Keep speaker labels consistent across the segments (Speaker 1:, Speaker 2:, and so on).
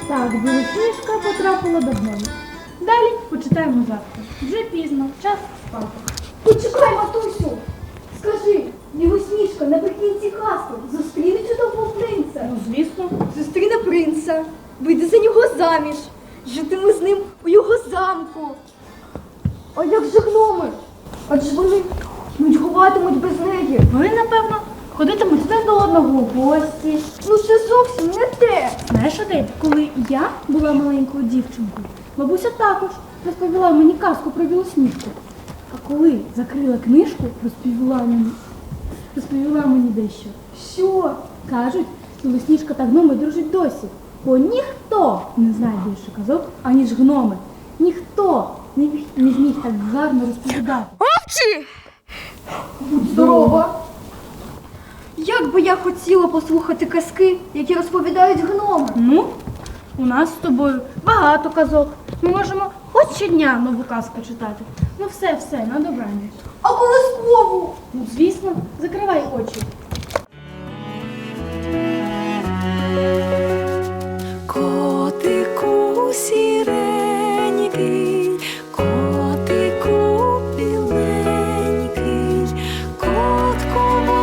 Speaker 1: Так, білосніжка потрапила до гному. Далі почитаємо завтра. Вже пізно, час спати.
Speaker 2: Почекай, матусю! Скажи, Білосніжка наприкінці казки зустріне чудового принца.
Speaker 1: Ну, звісно.
Speaker 2: Зустріне принца, вийде за нього заміж, житиме з ним у його замку. А як же гноми? Адже вони нудьгуватимуть без неї.
Speaker 1: Вони, напевно, ходитимуть один до одного в гості.
Speaker 2: Ну це зовсім не те.
Speaker 1: Знаєш, Адель, коли я була маленькою дівчинкою, бабуся також розповіла мені казку про білосніжку. А коли закрила книжку, розповіла мені дещо.
Speaker 2: Що?
Speaker 1: Кажуть, білосніжка та гноми дружать досі. Бо ніхто не знає більше казок, аніж гноми. Ніхто не зміг так гарно розповідати.
Speaker 3: Овчі!
Speaker 2: Будь здорова! Як би я хотіла послухати казки, які розповідають гноми.
Speaker 1: Ну, у нас з тобою багато казок. Ми можемо хоч щодня нову казку читати. Ну все, на добраніч.
Speaker 2: А колискову?
Speaker 1: Ну, звісно, закривай очі.
Speaker 3: Котику сіренький, котику біленький, котку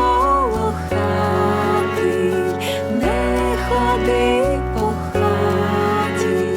Speaker 3: волохатий, не ходи по хаті.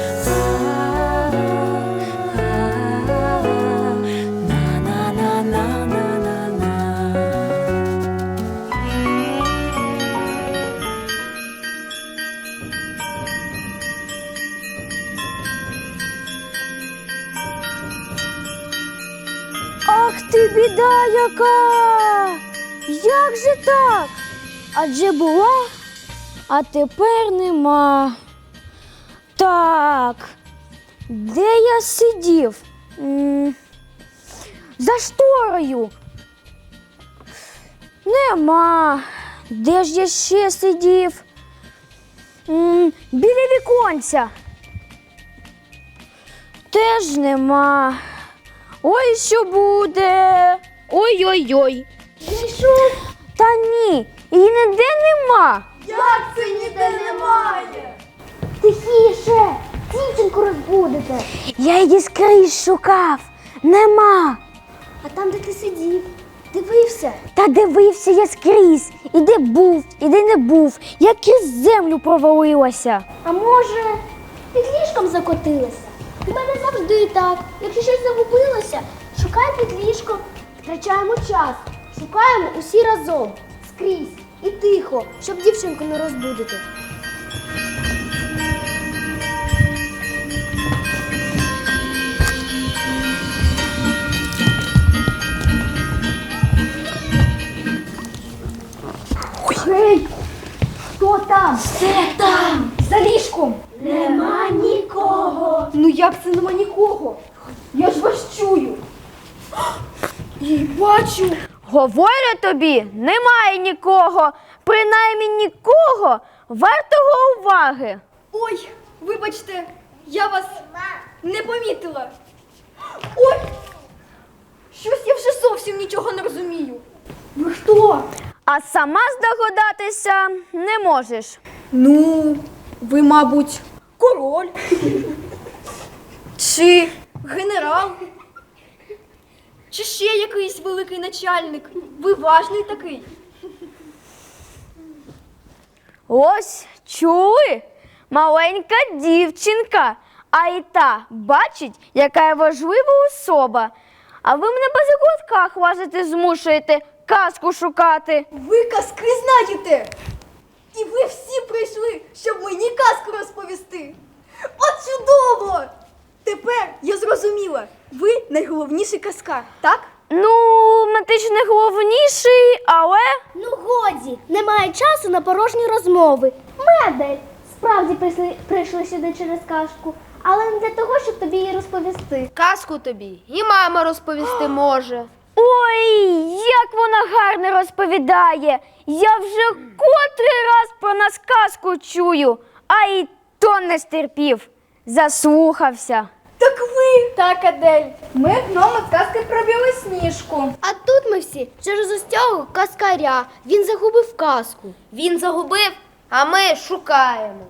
Speaker 4: Ах ти, біда яка! Як же так? Адже була, а тепер нема. Так, де я сидів? За шторою. Нема. Де ж я ще сидів? Біля віконця. Теж нема. Ой, що буде? Ой-ой-ой.
Speaker 2: Знайшов?
Speaker 4: Та ні, її ніде нема.
Speaker 2: Як це ніде немає?
Speaker 4: Тихіше, дівчинку розбудите. Я її скрізь шукав. Нема.
Speaker 2: А там, де ти сидів, дивився.
Speaker 4: Та дивився я скрізь. І де був, і де не був. Я крізь землю провалилася.
Speaker 2: А може, під ліжком закотилася? У мене завжди так. Якщо щось загубилося, шукай під ліжком. Втрачаємо час. Шукаємо усі разом. Скрізь. І тихо, щоб дівчинку не розбудити. Гей! Хто там? Все там! За ліжком! Нема нікого! Ну як це нема нікого? Я ж вас чую! І бачу!
Speaker 4: Говорю тобі, немає нікого. Принаймні нікого вартого уваги.
Speaker 2: Ой, вибачте, я вас не помітила. Ой! Щось я вже зовсім нічого не розумію. Ви хто?
Speaker 4: А сама здогадатися не можеш.
Speaker 2: Ну, ви, мабуть, король. Чи генерал. Чи ще якийсь великий начальник. Ви важний такий.
Speaker 4: Ось, чули? Маленька дівчинка. А і та бачить, яка я важлива особа. А ви мене по закутках лазити змушуєте, казку шукати.
Speaker 2: Ви казки знаєте. І ви всі прийшли, щоб мені казку розповісти. От чудово! Тепер я зрозуміла. Ви найголовніший казкар, так?
Speaker 4: Ну, ти ж не головніший, але...
Speaker 5: Ну годі, немає часу на порожні розмови. Ми, Адель, справді прийшли сюди через казку, але не для того, щоб тобі її розповісти.
Speaker 3: Казку тобі і мама розповісти може.
Speaker 4: Ой, як вона гарно розповідає. Я вже котрий раз про нас казку чую, а й то не стерпів. Заслухався.
Speaker 2: Так ви! Так, Адель. Ми гноми казки про Білосніжку.
Speaker 5: А тут ми всі через ось цього казкаря. Він загубив казку.
Speaker 3: Він загубив, а ми шукаємо.
Speaker 5: Та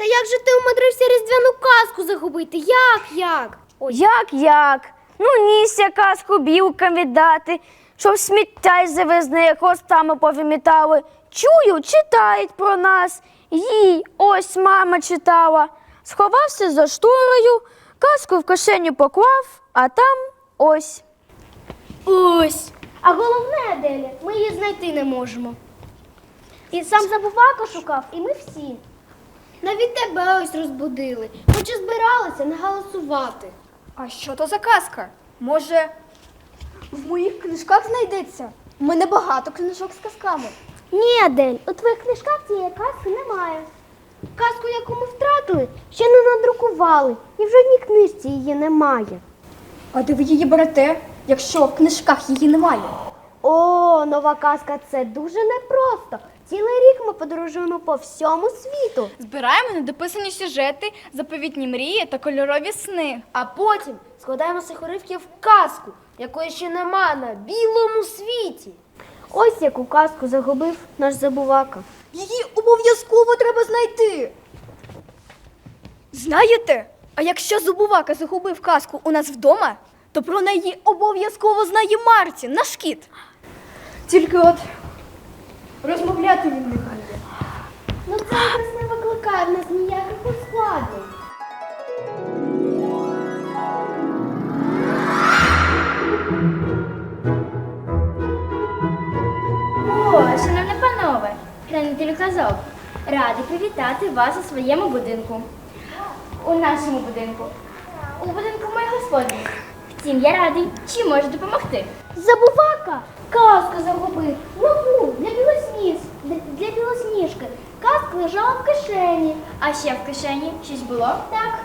Speaker 2: Та як же ти умудрився різдвяну казку загубити? Як?
Speaker 4: Як? Ну, ніся казку білкам віддати, щоб сміття й завезне хвостами повимітали. Чую, читають про нас. Їй ось мама читала. Сховався за шторою, казку в кишеню поклав, а там ось.
Speaker 2: Ось. А головне, Аделя, ми її знайти не можемо. І сам Забувака шукав, і ми всі. Навіть тебе ось розбудили, хоч і збиралися не голосувати.
Speaker 6: А що то за казка? Може, в моїх книжках знайдеться? У мене багато книжок з казками.
Speaker 2: Ні, Адель, у твоїх книжках цієї казки немає. Казку, яку ми втратили, ще не надрукували, і в жодній книжці її немає.
Speaker 6: А де ви її берете, якщо в книжках її немає?
Speaker 2: О, нова казка – це дуже непросто. Цілий рік ми подорожуємо по всьому світу.
Speaker 6: Збираємо недописані сюжети, заповітні мрії та кольорові сни.
Speaker 3: А потім складаємо з цих уривків казку, якої ще нема на білому світі.
Speaker 2: Ось яку казку загубив наш Забувака.
Speaker 6: Її обов'язково треба знайти. Знаєте, а якщо Забувака загубив казку у нас вдома, то про неї обов'язково знає Мартін, наш кіт. Тільки от розмовляти він не вміє.
Speaker 2: Ну це якраз не викликає в нас ніяких ускладнень.
Speaker 7: О, шановні панове, хранителі казок, раді привітати вас у своєму будинку. У нашому будинку. У будинку моїх господарів. Втім, я радий, чи можу допомогти.
Speaker 2: Забувака! Казку загубив. Нову, для білосніжки. Казка лежала в кишені.
Speaker 7: А ще в кишені щось було? Так.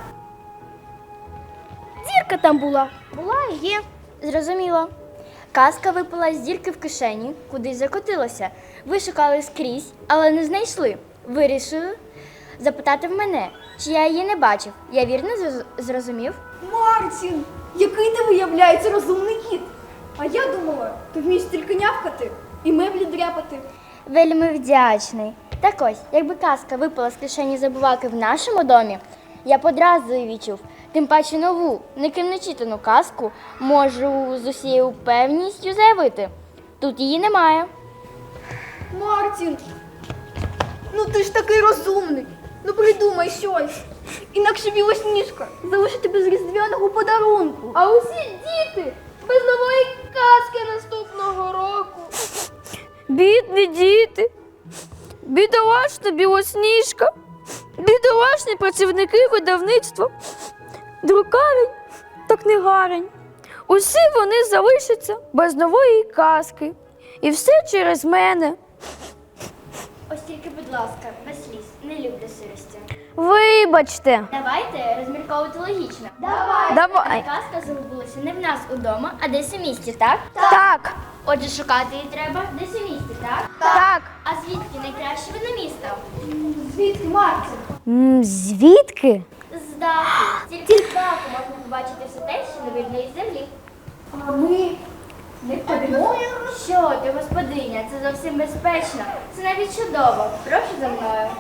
Speaker 2: Дірка там була.
Speaker 7: Була і є. Зрозуміло. Казка випала з дірки в кишені, кудись закотилася. Ви шукали скрізь, але не знайшли. Вирішили запитати в мене, чи я її не бачив. Я вірно зрозумів?
Speaker 6: Мартін, який ти виявляється розумний кіт. А я думала, ти вмієш тільки нявкати і меблі дряпати.
Speaker 7: Вельми вдячний. Так ось, якби казка випала з кишені Забуваки в нашому домі, я б одразу її відчув. Тим паче нову, ніким не читану казку можу з усією певністю заявити. Тут її немає.
Speaker 6: Мартін, ну ти ж такий розумний. Ну придумай щось. Інакше Білосніжка залишить без різдвяного подарунку.
Speaker 3: А усі діти без нової казки наступного року.
Speaker 4: Бідні діти, бідолашна Білосніжка, бідолашні працівники видавництва, друкарень та книгарень. Усі вони залишаться без нової казки. І все через мене.
Speaker 7: Ось тільки, будь ласка, без сліз, не люблю сирості.
Speaker 4: Вибачте.
Speaker 7: Давайте розмірковувати логічно.
Speaker 4: Давай.
Speaker 7: Казка загубилася не в нас удома, а десь у місті, так?
Speaker 4: Так,
Speaker 7: Отже, шукати її треба десь у місті, так?
Speaker 4: так.
Speaker 7: А звідки найкраще видно місто?
Speaker 6: Звідки, Мартін?
Speaker 4: Звідки?
Speaker 7: З даху. Тільки з даху можна побачити все те, що не видно із землі.
Speaker 6: А ми не ходимо?
Speaker 7: Що ти, господиня, це зовсім безпечно. Це навіть чудово. Прошу за мною.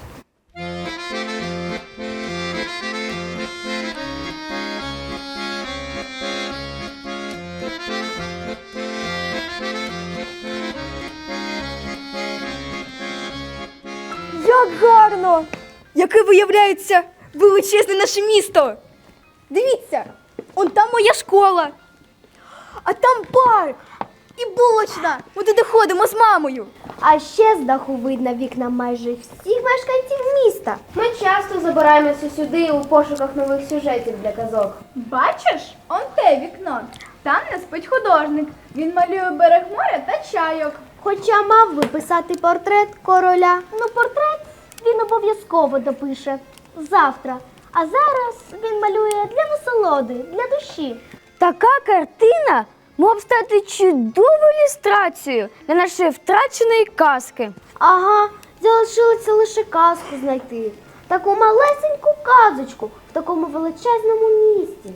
Speaker 6: Як гарно! Яке виявляється величезне наше місто! Дивіться, он там моя школа, а там парк і булочна. Ми туди ходимо з мамою.
Speaker 2: А ще з даху видно вікна майже всіх мешканців міста.
Speaker 3: Ми часто забираємося сюди у пошуках нових сюжетів для казок.
Speaker 6: Бачиш, он те вікно. Там не спить художник. Він малює берег моря та чайок.
Speaker 2: Хоча мав би писати портрет короля. Ну, портрет він обов'язково допише завтра. А зараз він малює для насолоди, для душі.
Speaker 4: Така картина могла б стати чудовою ілюстрацією для нашої втраченої казки.
Speaker 2: Ага, залишилося лише казку знайти. Таку малесеньку казочку в такому величезному місті.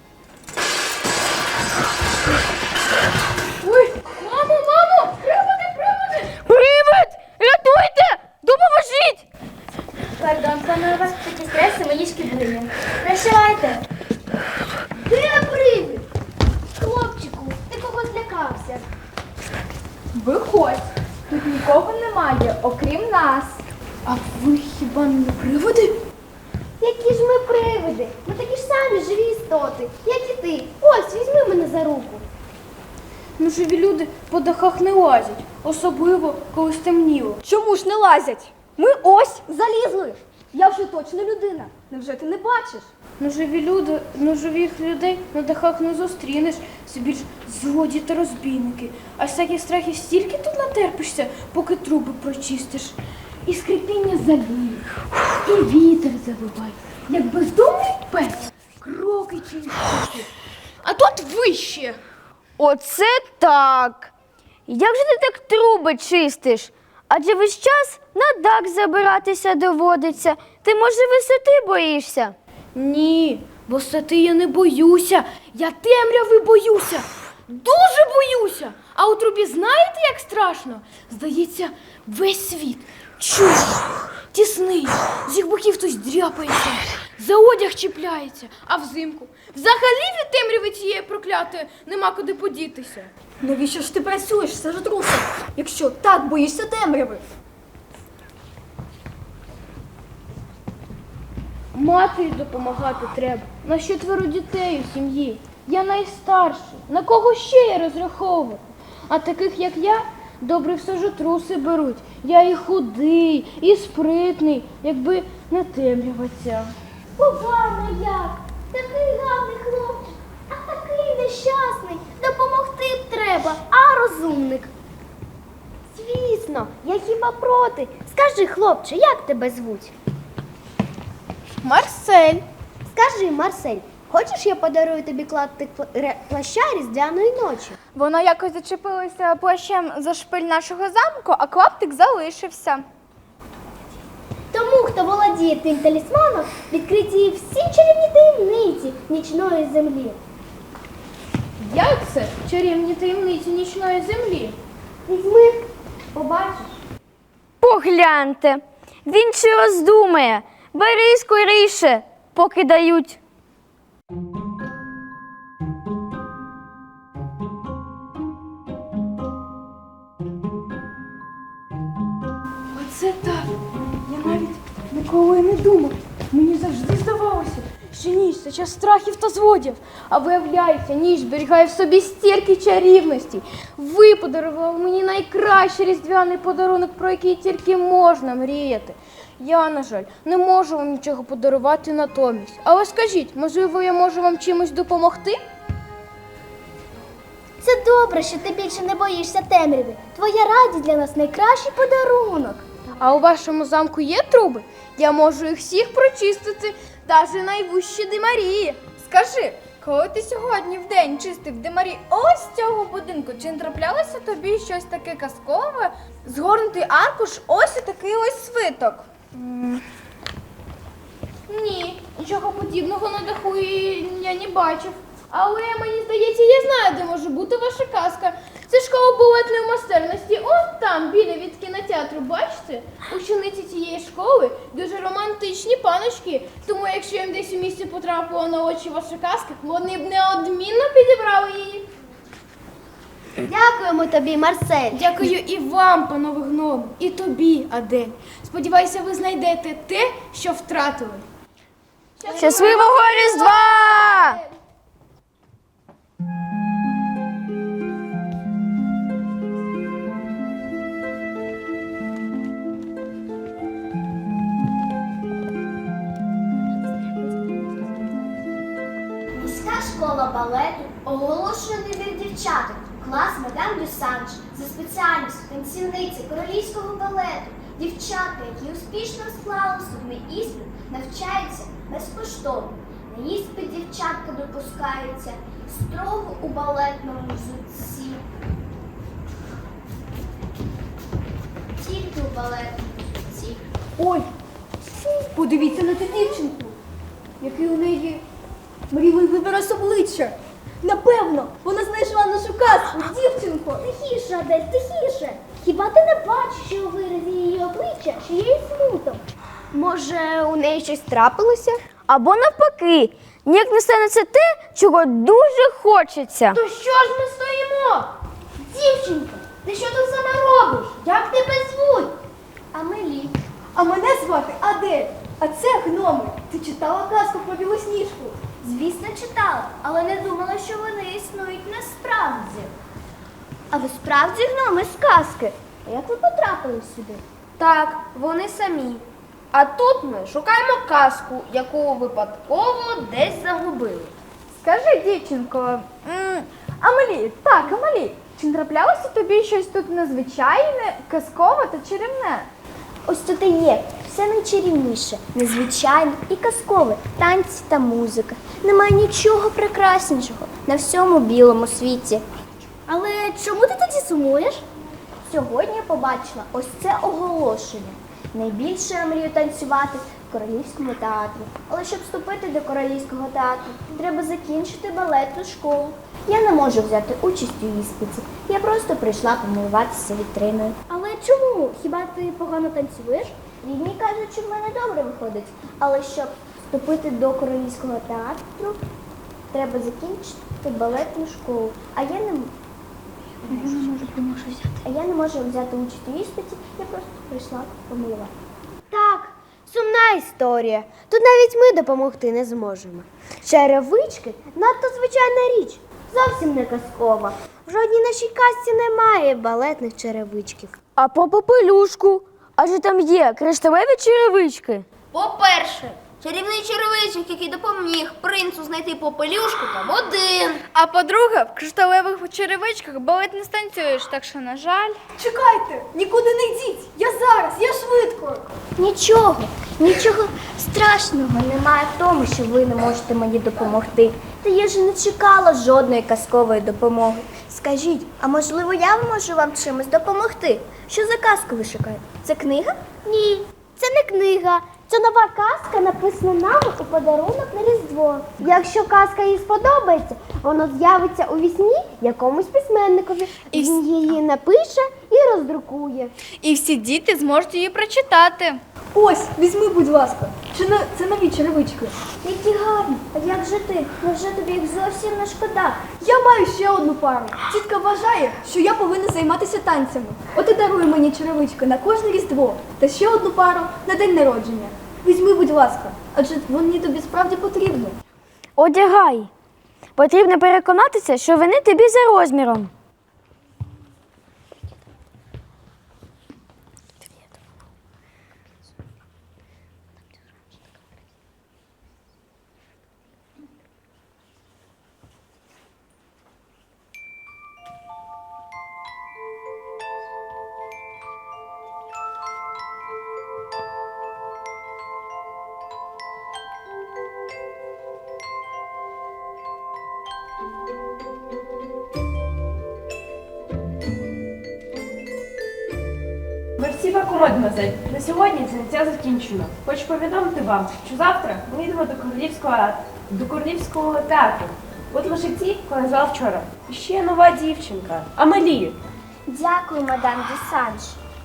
Speaker 3: Мамо! Приводи!
Speaker 4: Привид! Рятуйте! Допоможіть!
Speaker 7: Пардон, панове,
Speaker 1: Тут нікого немає, окрім нас. А ви хіба не приводи?
Speaker 2: Які ж ми привиди? Ми такі ж самі живі істоти, як і ти. Ось, візьми мене за руку.
Speaker 1: Ну, живі люди по дахах не лазять, особливо, коли стемніло.
Speaker 6: Чому ж не лазять? Ми ось залізли. Я вже точно людина. Невже ти не бачиш?
Speaker 1: Ну, живих людей на дахах не зустрінеш, це більш злодії та розбійники. А всяких страхів стільки тут натерпишся, поки труби прочистиш. І скрипіння залів, і вітер завиває, як бездомний пес, кроки чистити. А тут вище.
Speaker 4: Оце так. Як же ти так труби чистиш? Адже весь час на дах забиратися доводиться. Ти, може, висоти боїшся?
Speaker 1: Ні, висоти я не боюся, я темряви боюся, дуже боюся. А у трубі знаєте, як страшно? Здається, весь світ чужий, тісний, з їх боків хтось дряпається, за одяг чіпляється, а взимку взагалі від темряви цієї проклятої нема куди подітися.
Speaker 6: Навіщо ж ти працюєш, сажотрусе, якщо так боїшся темряви?
Speaker 1: Матері допомагати треба. На 4 дітей у сім'ї. Я найстарший. На кого ще я розраховувати? А таких, як я, добре в сажотруси беруть. Я і худий, і спритний, якби не темрява ця.
Speaker 2: Погано як. Такий гарний хлопчик, а такий нещасний. Допомогти б треба, а розумник. Звісно, я хіба проти. Скажи, хлопче, як тебе звуть?
Speaker 1: Марсель.
Speaker 2: Скажи, Марсель, хочеш я подарую тобі клаптик плаща різдвяної ночі?
Speaker 6: Вона якось зачепилася плащем за шпиль нашого замку, а клаптик залишився.
Speaker 2: Тому, хто володіє тим талісманом, відкриті всі чарівні таємниці нічної землі.
Speaker 1: Як це? Чарівні таємниці нічної землі.
Speaker 2: Візьми, побачиш.
Speaker 4: Погляньте, він чи роздумає. Бери скоріше, поки дають.
Speaker 1: Оце так. Я навіть ніколи не думав. Мені завжди здавалося, що ніч це час страхів та злодів. А виявляється, ніч зберігає в собі стільки чарівності. Ви подарували мені найкращий різдвяний подарунок, про який тільки можна мріяти. Я, на жаль, не можу вам нічого подарувати натомість. Але скажіть, можливо, я можу вам чимось допомогти?
Speaker 2: Це добре, що ти більше не боїшся темряви. Твоя радість для нас найкращий подарунок.
Speaker 1: А у вашому замку є труби? Я можу їх всіх прочистити, навіть найвищі димарії.
Speaker 6: Скажи, коли ти сьогодні вдень чистив димарі ось цього будинку, чи не траплялося тобі щось таке казкове? Згорнутий аркуш, ось і такий ось свиток.
Speaker 1: Ні, нічого подібного на даху я не бачив. Але мені здається, я знаю, де може бути ваша казка. Це школа балетної майстерності. Ось там, біля від кінотеатру, бачите? Учениці цієї школи дуже романтичні паночки. Тому якщо їм десь у місті потрапила на очі ваша казка, вони б неодмінно підібрали її.
Speaker 2: Дякуємо тобі, Марсель.
Speaker 1: Дякую і вам, панове гноми, і тобі, Адель. Сподіваюся, ви знайдете те, що втратили.
Speaker 4: Щасливого Різдва!
Speaker 2: Міська школа балету оголошує набір дівчаток в клас мадам Дюсанж за спеціальністю танцівниці королівського балету. Дівчатка, які успішно склали вступний іспит, навчаються безкоштовно. На іспит дівчатка допускаються строго у балетному взутті. Тільки у балетному взутті.
Speaker 6: Ой, подивіться на ту дівчинку, який у неї мрійливий вираз обличчя. Напевно, вона знайшла нашу казку, дівчинко.
Speaker 2: Тихіше, Адель, тихіше. Хіба ти не бачиш, що у виразі її обличчя, що є смуток? Може, у неї щось трапилося?
Speaker 4: Або навпаки, ніяк не станеться те, чого дуже хочеться.
Speaker 1: То що ж ми стоїмо?
Speaker 2: Дівчинко, Ти що тут сама робиш? Як тебе звуть? Амелі.
Speaker 6: А мене звати Адель. А це гноми. Ти читала казку про Білосніжку?
Speaker 2: Звісно, читала, але не думала, що вони існують насправді.
Speaker 5: А ви справді гноми з казки? А як ви потрапили сюди?
Speaker 3: Так, вони самі. А тут ми шукаємо казку, яку випадково десь загубили.
Speaker 1: Скажи, дівчинко, Амелі, так, Амелі, чи не траплялося тобі щось тут незвичайне, казкове та чарівне?
Speaker 5: Ось тут і є. Все найчарівніше, незвичайне і казкове. Танці та музика. Немає нічого прекраснішого на всьому білому світі. Але чому ти тоді сумуєш? Сьогодні я побачила ось це оголошення. Найбільше я мрію танцювати в Королівському театрі. Але щоб вступити до Королівського театру, треба закінчити балетну школу. Я не можу взяти участь у іспиті. Я просто прийшла помилуватися вітриною. Але чому? Хіба ти погано танцюєш? Рідні кажуть, що в мене добре виходить. Але щоб вступити до Королівського театру, треба закінчити балетну школу. А я не можу взяти участь у іспиті, я просто прийшла помилувати.
Speaker 2: Так, сумна історія. Тут навіть ми допомогти не зможемо. Черевички надто звичайна річ, зовсім не казкова. В жодній нашій казці немає балетних черевичків.
Speaker 4: А про попелюшку? Адже там є кришталеві черевички.
Speaker 3: По-перше, чарівний черевичок, який допоміг принцу знайти попелюшку, там один.
Speaker 1: А по-друге, в кришталевих черевичках балет не станцюєш, так що, на жаль.
Speaker 6: Чекайте, нікуди не йдіть. Я зараз, я швидко.
Speaker 5: Нічого страшного немає в тому, що ви не можете мені допомогти. Та я ж не чекала жодної казкової допомоги. Скажіть, а можливо я можу вам чимось допомогти? Що за казку ви шукаєте? Це книга? Ні, це не книга. Це нова казка, написана нами у подарунок на Різдво.
Speaker 2: Якщо казка їй сподобається, воно з'явиться у вісні якомусь письменникові. Він її напише і роздрукує.
Speaker 1: І всі діти зможуть її прочитати.
Speaker 6: Ось, візьми, будь ласка. Це нові черевички.
Speaker 5: Які гарні. А як же ти? Невже тобі їх зовсім не шкода?
Speaker 6: Я маю ще одну пару. Тітка вважає, що я повинна займатися танцями. От і дарує мені черевички на кожне Різдво та ще одну пару на день народження. Візьми, будь ласка, адже вони тобі справді потрібні.
Speaker 4: Одягай. Потрібно переконатися, що вони тобі за розміром.
Speaker 8: Мерсі ваку, мадемуазель. На сьогодні заняття закінчено. Хочу повідомити вам, що завтра ми йдемо до Королівського театру. От лише ті, кого назвав вчора. І ще нова дівчинка. Амелі.
Speaker 5: Дякую, мадам Дюсанж.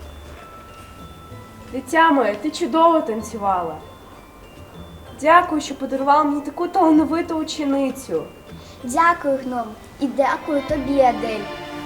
Speaker 8: Дитя моє, ти чудово танцювала. Дякую, що подарувала мені таку талановиту ученицю.
Speaker 5: Дякую, гном. І дякую тобі, Адель.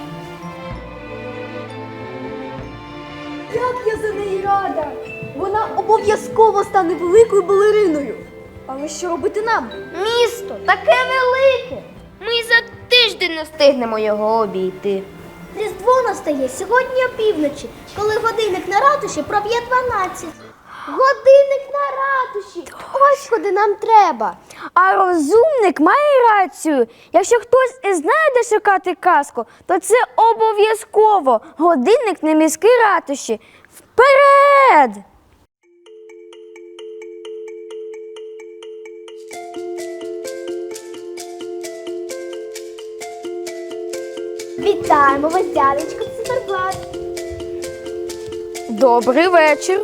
Speaker 6: Як я за неї рада! Вона обов'язково стане великою балериною. Але що робити нам?
Speaker 3: Місто таке велике. Ми за тиждень не встигнемо його обійти.
Speaker 5: Різдво настає сьогодні опівночі, коли годинник на ратуші проб'є 12.
Speaker 2: Годинник на ратуші! Ось куди нам треба.
Speaker 4: А розумник має рацію. Якщо хтось і знає, де шукати казку, то це обов'язково годинник на міській ратуші. Вперед!
Speaker 2: Вітаємо вас, дядечко Циферблат.
Speaker 4: Добрий вечір.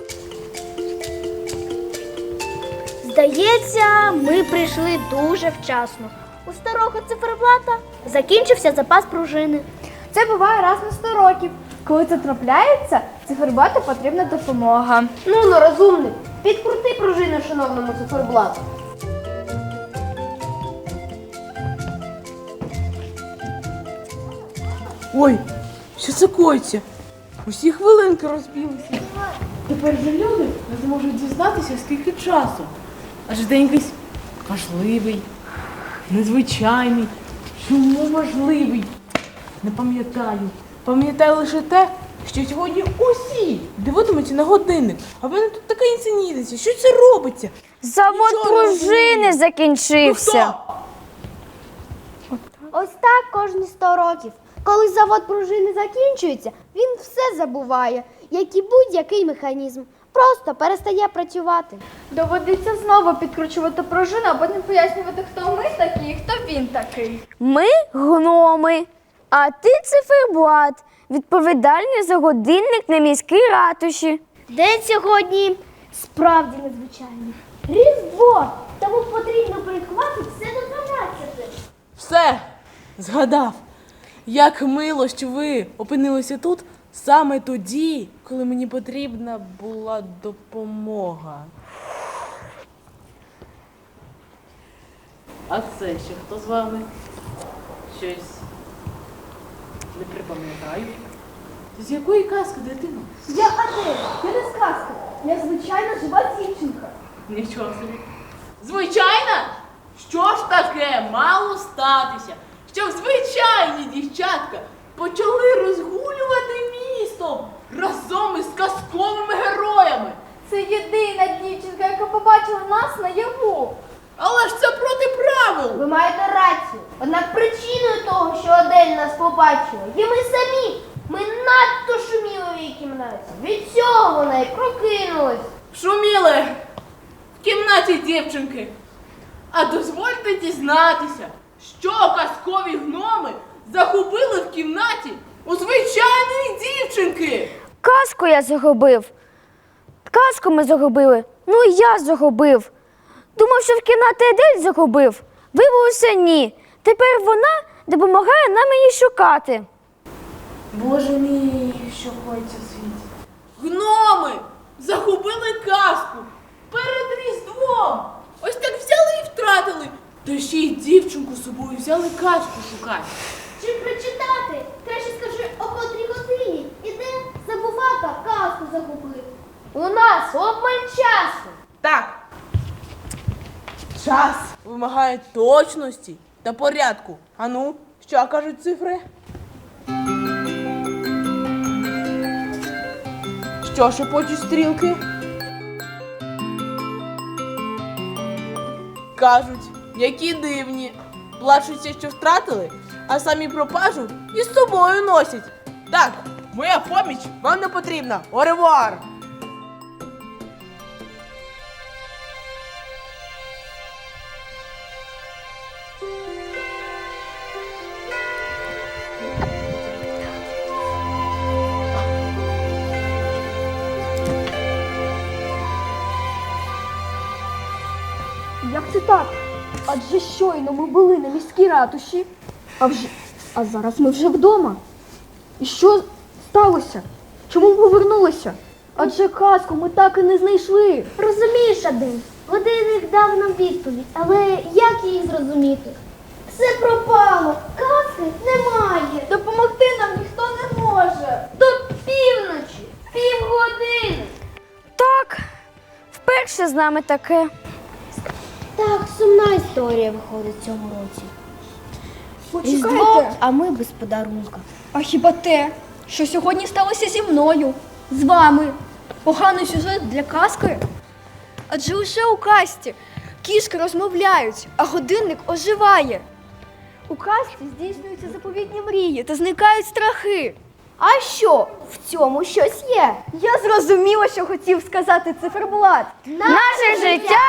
Speaker 5: Здається, ми прийшли дуже вчасно. У старого циферблата закінчився запас пружини.
Speaker 1: Це буває раз на 100 років. Коли це трапляється, циферблату потрібна допомога.
Speaker 3: Ну, розумник, підкрути пружину шановному циферблату.
Speaker 8: Ой,
Speaker 9: Що це коїться? Усі хвилинки розбілися. Тепер же люди не зможуть дізнатися, скільки часу. Адже день якийсь важливий, незвичайний. Чому важливий? Не пам'ятаю. Пам'ятаю лише те, що сьогодні усі дивитимуться на годинник. А в мене тут така інсенітиця. Що це робиться?
Speaker 4: Завод
Speaker 9: Нічого не
Speaker 4: пружини
Speaker 9: розумію.
Speaker 4: закінчився.
Speaker 9: Ну,
Speaker 2: Ось так кожні 100 років. Коли завод пружини закінчується, він все забуває, як і будь-який механізм. Просто перестає працювати.
Speaker 1: Доводиться знову підкручувати пружину, а потім пояснювати, хто ми такі і хто він такий.
Speaker 4: Ми гноми, а ти циферблат, відповідальний за годинник на міській ратуші.
Speaker 2: День сьогодні справді незвичайний. Різдво! Тому потрібно порядкувати все до 12.
Speaker 9: Все, згадав. Як мило, що ви опинилися тут саме тоді, коли мені потрібна була допомога. А це ще хто з вами? Щось не припам'ятаю. З якої казки, дитино?
Speaker 1: Я Адель, я не сказка, я звичайна жива дівчинка.
Speaker 9: Нічого собі. Звичайна? Що ж таке мало статися, щоб звичайні дівчатка почали розгулювати містом разом із казковими героями?
Speaker 1: Це єдина дівчинка, яка побачила нас наяву.
Speaker 9: Але ж це проти правил.
Speaker 3: Ви маєте рацію. Однак причиною того, що Адель нас побачила, є ми самі. Ми надто шуміли в її кімнаті. Від цього вона й прокинулась.
Speaker 9: Шуміли в кімнаті дівчинки. А дозвольте дізнатися, що казкові гноми загубили в кімнаті у звичайної дівчинки.
Speaker 4: Казку я загубив. Казку ми загубили. Ну і я загубив. Думав, що в кімнаті Адель загубив. Виявилося ні. Тепер вона допомагає нам її шукати.
Speaker 9: Боже мій, що коїться в світі. Гноми загубили казку перед Різдвом. Ось так взяли і втратили. Та ще й дівчинку з собою взяли казку шукати.
Speaker 2: Чи прочитати? Краще скажи, о котрій годині. Іде забувака, казку загубив.
Speaker 3: У нас обмаль часу.
Speaker 9: Так. Час вимагає точності та порядку. Ану, що кажуть цифри? Що шепочуть стрілки? Кажуть, які дивні. Плачуться, що втратили, а самі пропажу із собою носять. Так, моя поміч вам не потрібна. Оревуар!
Speaker 1: Як це так? Адже щойно ми були на міській ратуші, а зараз ми вже вдома. І що сталося? Чому ми повернулися? Адже казку ми так і не знайшли.
Speaker 2: Розумієш, Адель, годинник дав нам відповідь, але як її зрозуміти? Все пропало, казки немає.
Speaker 1: Допомогти нам ніхто не може.
Speaker 3: До півночі, півгодини.
Speaker 4: Так, вперше з нами таке.
Speaker 2: Так, сумна історія виходить в цьому році.
Speaker 1: Почекайте.
Speaker 2: А ми без подарунка.
Speaker 6: А хіба те, що сьогодні сталося зі мною, з вами? Поганий сюжет для казки? Адже лише у казці кішки розмовляють, а годинник оживає. У казці здійснюються заповітні мрії та зникають страхи.
Speaker 2: А що? В цьому щось є.
Speaker 6: Я зрозуміла, що хотів сказати циферблат.
Speaker 4: Наше життя